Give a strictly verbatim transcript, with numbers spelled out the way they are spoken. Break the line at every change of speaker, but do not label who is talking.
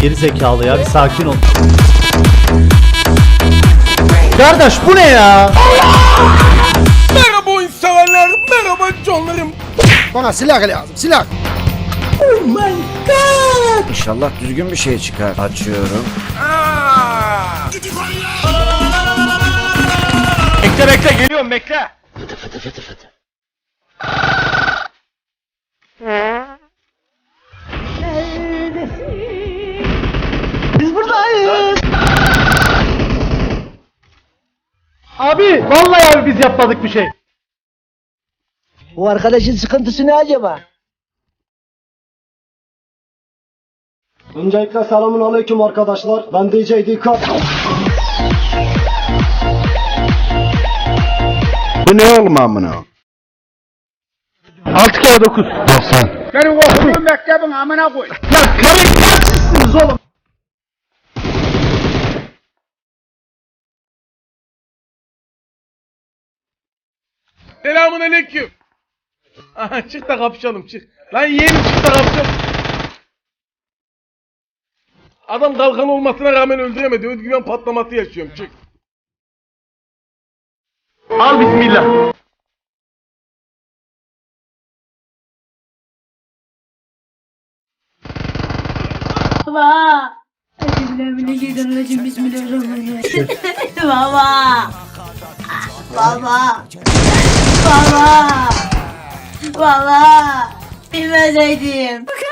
Geri zekalı ya, bir sakin ol. Kardeş bu ne ya?
Merhaba oyun severler, merhaba canlarım.
Bana silah lazım, silah.
Oh my god.
İnşallah düzgün bir şey çıkar. Açıyorum.
Aa! Bekle bekle, geliyorum bekle.
Fıtı fıtı fıtı fıtı.
Biz buradayız. Abi vallahi abi biz yapmadık bir şey.
Bu arkadaşın sıkıntısı ne acaba?
Öncelikle selamun aleyküm arkadaşlar. Ben D J Dikkat.
Bu ne oğlum amına?
altı kere dokuz.
doksan.
Benim okuduğum mektebin amına koy.
Ya karıştırmışsınız oğlum.
Selamun aleyküm. Aha, çık da kapışalım çık. Lan yeğenim çık da kapışalım. Adam kalkan olmasına rağmen öldüremedi. Özgüven patlaması yaşıyorum çık. Al bismillah.
Baba. Bismillahirrahmanirrahim. Bismillahirrahmanirrahim. Baba. Baba. Baba. Baba. Bilmeseydim.